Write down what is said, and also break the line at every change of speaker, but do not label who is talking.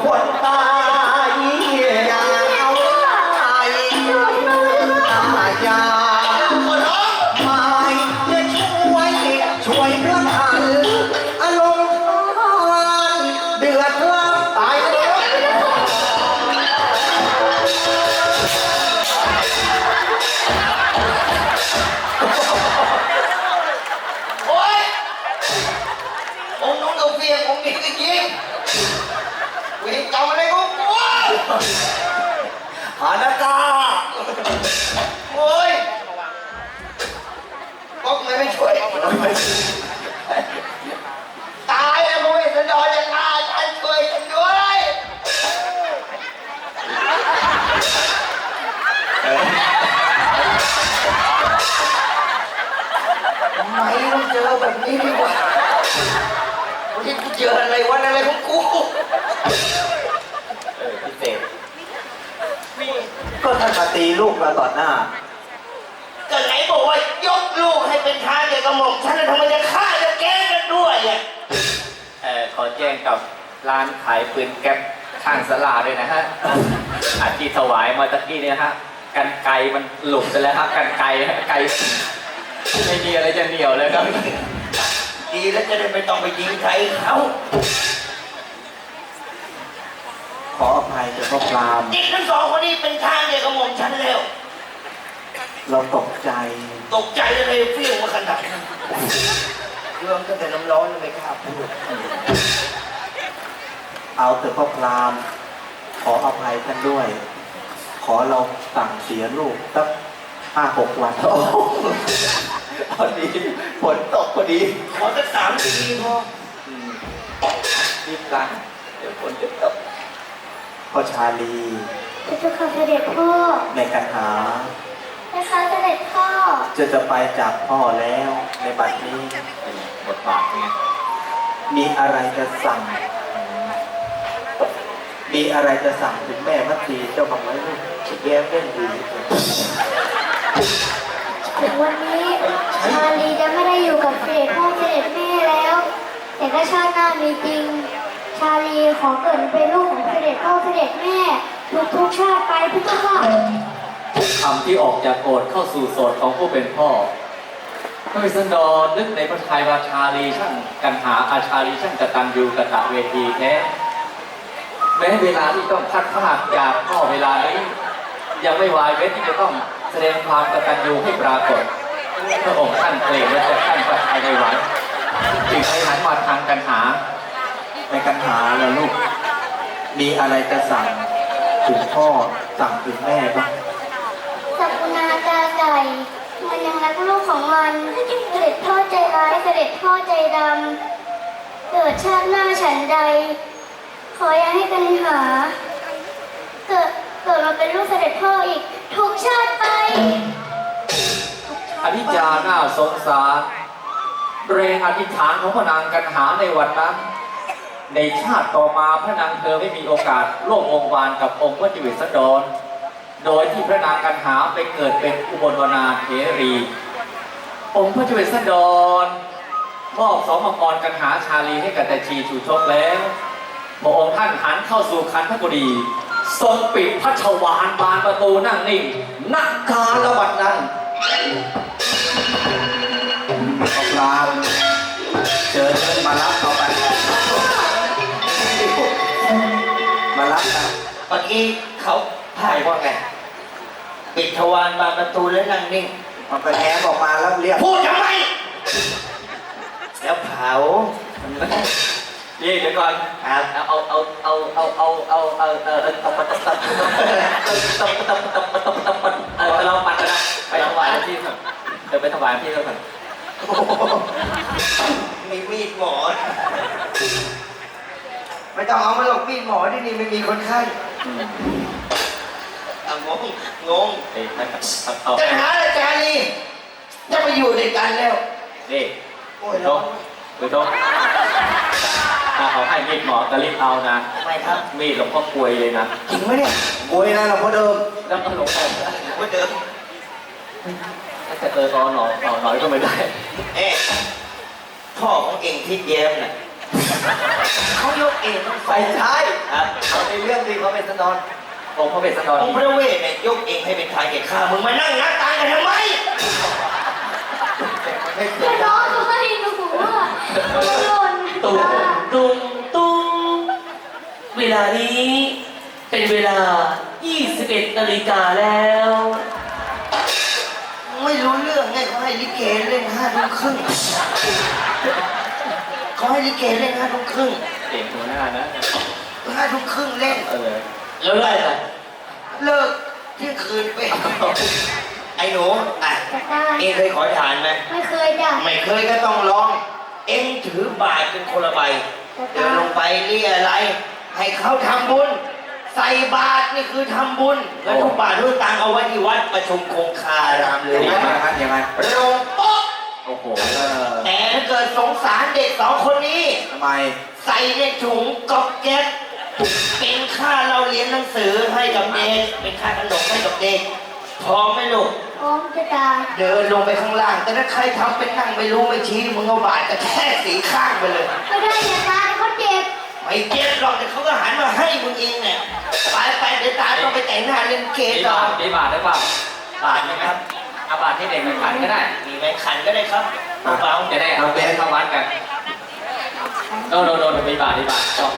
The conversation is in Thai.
คนตายอย่าเอาตายอย่าไม่จะช่วยพระท่านอารมณ์เดือดร้อนตายแล้ว
โอ๊ยองค์น้องเอาเฟียงองค์นี้ก็ยิงเวรกรรมอะไรของกู
หานากา
โอ๊ยก็ไม่ช่วยตายแล้วมึงไม่สะดอจะฆ่าฉันช่วยฉันด้วยทำไมต้องเจอแบบนี้ดีกว่าวันนี้กูเจออะไรวันอะไรของกู
พิเศษก็ท่านมาตีลูกเราต่อหน้า
ก็ไหนบอกว่ายกลูกให้เป็นทานเดียวกับหม่อมฉันแล้วทำไมจะฆ่าจะแกล้งกันด้วยอ่ะ
ขอแจ้งกับร้านขายปืนแก๊ปข้างศาลาด้วยนะฮะอาที่ถวายมาตะกี้เนี่ยฮะกันไกมันหลุดไปแล้วครับกันไกไม่มีอะไรจะเหนียวเลยครับ
ดีแล้วจะได้ไม่ต้องไปยิงใครเขา
ขออภัยเจ้าพ่อพราม
เด็กทั้งสองคนนี้เป็นทางเดียวกับหม่อมฉันแล้ว
เราตกใจ
เลยเฟี้ยงมาขนาดนั้นเรื่องตั้งแต่น้ำร้อนไม่กล้าพูด
เอาเถอะพ่อพรามขออภัยท่านด้วยขอเราสั่งเสียลูกสัก5-6 วันพอดีฝนตกพอดี
ขอสัก3 ปีพอ
รีบกันเดี๋ยวฝนจะตกพ่อชาลี
พระเจ้าค่ะเสด็จพ่อ
ในกันหา
นะคะเสด็จพ่อ
จะไปจากพ่อแล้วในบัดนี้
บทบาทไง
มีอะไรจะสั่งถึงแม่พัทรีเจ้าของไว้ลูกแย้มเล่นดี
ถึงวันนี้ชาลีจะไม่ได้อยู่กับเสด็จพ่อเสด็จแม่แล้วแต่ถ้าชาติหน้ามีจริงชาลีขอเกิดเป็นลูกของเสด็จพ่อเสด็จแม่ทุกชาติไปพระเจ้าค่ะ
คำที่ออกจากโอษเข้าสู่โสดของผู้เป็นพ่อพระวิษณุนึกในพระทัยว่าชาลีช่างกันหาอาชาลีช่างกตัญญูกตเวทีแท้แม้เวลาที่ต้องพัดพากจากพ่อเวลานี้ยังไม่วายเว้นที่จะต้องแสดงความกตัญญูให้ปรากฏพระองค์ท่านเกรงว่าจะท่านประทัยในไหวจึงให้หันมาทางกันหา
ในกันหาแล้วลูกมีอะไรจะสั่งถึงพ่อสั่งถึงแม่บ้าง
สักกุณาตาไก่มันยังรักลูกของมันเสด็จพ่อใจร้ายเสด็จพ่อใจดำเกิดชาติหน้าฉันใดขออย่าให้กันหาเกิดมาเป็นลูกเสด็จพ่ออีกทุกชาติไป
อธิจาน่าสงสารเรงอธิษฐานของพระนางกันหาในวันนั้นในชาติต่อมาพระนางเธอไม่มีโอกาสร่วมวงวานกับองค์พระจิวิสดรโดยที่พระนางกันหาไปเกิดเป็นอุบลวนาเถรี องค์พระจิวิสดรมอบสองมังกรกันหาชาลีให้กับแต่ชีชูชกแล้วพระองค์ท่านหันเข้าสู่คันธกุฎีทรงปิดพระชวาลบานประตูนั่งนิ่งนักกาลวัดนั้น
พรามเชิญมารับเขาไปมารับนะ
เมื่อกี้เขาพ่ายว่าไงปิดทวารบานประตูแล้วนั่งนิ่ง
มันไปแง้มออกมาแล้วเรียก
พูดทำไมแล้วเผา
นี่เดี๋ยวก่อนเราปัดกันนะไปถวายที่ก่อนไปถวายที่ก่อน
มีมีดหมอไม่ต้องเอามาหรอกมีดหมอที่นี่ไม่มีคนไข้งงจะหาอาจารย์นี่จะไปอยู่ด้วยกันแล้ว
นี่โอ้ยน้องไปน้องเขาให้มีดหมอจะรีบเอานะ
ไม่ครับ
มีดหลวงพ่อกลวยเลยนะ
จริงไหมเนี่ย
กลวยนะหลวงพ่อเดิม
แล้วก็หลวงพ่อเดิมแต่ตอนหน่อยก็ไม่ได้
พ่อของเองทิดเย้มน่ะเขายกเองทั้งสอ
ไม่
ง
ใช่
ครับ
เอาในเรื่องที่เขาเป็นสนอน
องค์พระเวสสันดร
องค์พระเวทเนี่ยยกเองให้เป็นทายแก่ข้ามึงมานั่งนับตังค์กันทำไม
ไม่เค
ก็
ย
น้องเขาให้หนูอ่ะหล่น
ตุ้มตุ้มตุ้มเวลานี้เป็นเวลา 21 นาฬิกาแล้ว
ไม่รู้เรื่องไงเขาให้ลิเกเล่น5 ทุ่มครึ่งเขาให้ลิเกเล่น5 ทุ่มครึ่ง
เก่งหัวหน้านะ
5 ทุ่มครึ่งเล่น
แล้วไล่ไป
เลิกเที่ยงคืนไปไอ้หนูอ่ะ
จะได้
เองเคยขอทานไหม
ไม่เคยจ้ะ
ไม่เคยก็ต้องลอง เองถือบาตรเป็นคนละใบเดินลงไปเรียอะไร ให้เขาทำบุญ ใส่บาตรนี่คือทำบุญแล้วทุกบาททุกตังค์เอาไว้ที่วัดประชุมคงคารามเลย
ยังไงครับยังไง
ลงโป๊ะ
โอ้โห
แต่ถ้าเกิดสงสารเด็ก2 คนนี้
ทำไม
ใส่ในถุงก๊อบแก๊บเป็นค่าเราเรียนหนังสือให้กับเด็กเป็นค่าขนมให้กับเด็กพร้อมไหมลูก
พร้อมจะตาย
เดินลงไปข้างล่าง แต่ถ้าใครทำเป็นนั่งไม่รู้ไม่ชี้มึงเอาบาดกระแทกสีข้างไปเลย
ไม่ได้อย่าตายเขาเจ็บ
ไม่เจ็บหรอกแต่เขาก็หันมาให้มึงเองเนี่ยไปเดี๋ยวตาต้องไปแต่งหน้าเล่นเก
มี
ต่อบ
าทมีบาทหรือเปล่า
บาดไหมครับ
เอาบาทที่เด็กไปขันก็ได้
มีไหมขันก็ได้ครับเบาๆ
จะได้เอาไปเข้าวัดกันโดนมีบาท